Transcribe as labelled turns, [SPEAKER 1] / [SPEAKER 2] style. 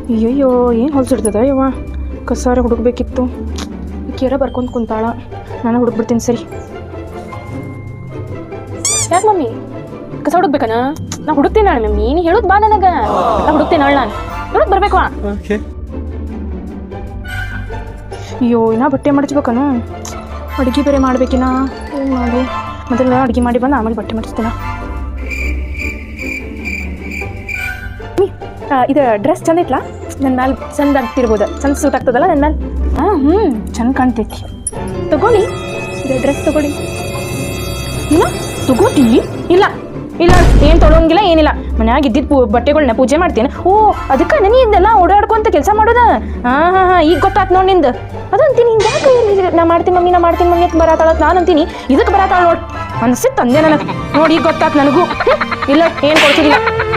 [SPEAKER 1] ಅಯ್ಯಯ್ಯೋ ಏನು ಹೊಲ್ಸಿಡ್ತದ ಯವ್ವ ಕಸಾರ ಹುಡುಕ್ಬೇಕಿತ್ತು ಕೇರ ಬರ್ಕೊಂಡು ಕುಂತಾಳ ನಾನು ಹುಡುಕ್ಬಿಡ್ತೀನಿ ಸರಿ. ಯಾಕೆ ಮಮ್ಮಿ ಕಸ ಹುಡುಕ್ಬೇಕನ? ನಾ ಹುಡುಕ್ತೀನಿ ನಾಳೆ ಮಮ್ಮಿ, ನೀ ಹೇಳೋದು ಬಾ ನನಗೆ, ನಾ ಹುಡುಕ್ತೀನಿ ನಾಳೆ. ನಾನು ಹೇಳೋದು ಬರಬೇಕು. ಅಯ್ಯೋ ಇನ್ನ ಬಟ್ಟೆ ಮಡಚ್ಬೇಕನು, ಅಡುಗೆ ಬೇರೆ ಮಾಡ್ಬೇಕಿನ. ಏನು ಮಾಡಿ ಮೊದಲು ಅಡುಗೆ ಮಾಡಿ ಬಂದು ಆಮೇಲೆ ಬಟ್ಟೆ ಮಡಿಸ್ತೀನ. ಇದು ಡ್ರೆಸ್ ಚಂದ ಐತ್ಲಾ? ನನ್ನ ಮ್ಯಾಲೆ ಚಂದ ಆಗ್ತಿರ್ಬೋದು, ಚಂದ ಸೂಟ್ ಆಗ್ತದಲ್ಲ ನನ್ನ ಮ್ಯಾಲೆ. ಚಂದ ಕಾಣ್ತೈತಿ. ತಗೊಳ್ಳಿ ಇದು ಡ್ರೆಸ್ ತಗೊಳ್ಳಿ. ಇಲ್ಲ ತಗೋತಿ? ಇಲ್ಲ ಇಲ್ಲ ಏನು ತೊಗೊಳಂಗಿಲ್ಲ, ಏನಿಲ್ಲ. ಮನ್ಯಾಗ ಇದ್ದಿದ್ದು ಬಟ್ಟೆಗಳನ್ನ ಪೂಜೆ ಮಾಡ್ತೀನಿ. ಓ ಅದಕ್ಕೆ ನೀ ಇದೆಲ್ಲ ಓಡಾಡ್ಕೊಂತ ಕೆಲಸ ಮಾಡೋದ? ಹಾಂ ಈಗ ಗೊತ್ತಾಯ್ತು ನೋಡಿ ನಿಂದು. ಅದಂತೀನಿ ಹಿಂಗೆ ಯಾಕೆ ನಾ ಮಾಡ್ತೀನಿ ಮಮ್ಮಿ ಅಂತ ಬರತ್ತಾಳತ್ ನಾನು ಅಂತೀನಿ, ಇದಕ್ಕೆ ಬರತ್ತಾಳ ನೋಡಿ ಅನ್ಸಿತ್ತು ಅಂದೆ ನನಗೆ. ನೋಡಿ ಈಗ ಗೊತ್ತಾಯ್ತು ನನಗೂ. ಇಲ್ಲ ಏನು ಕೊಡ್ತಿಲ್ಲ.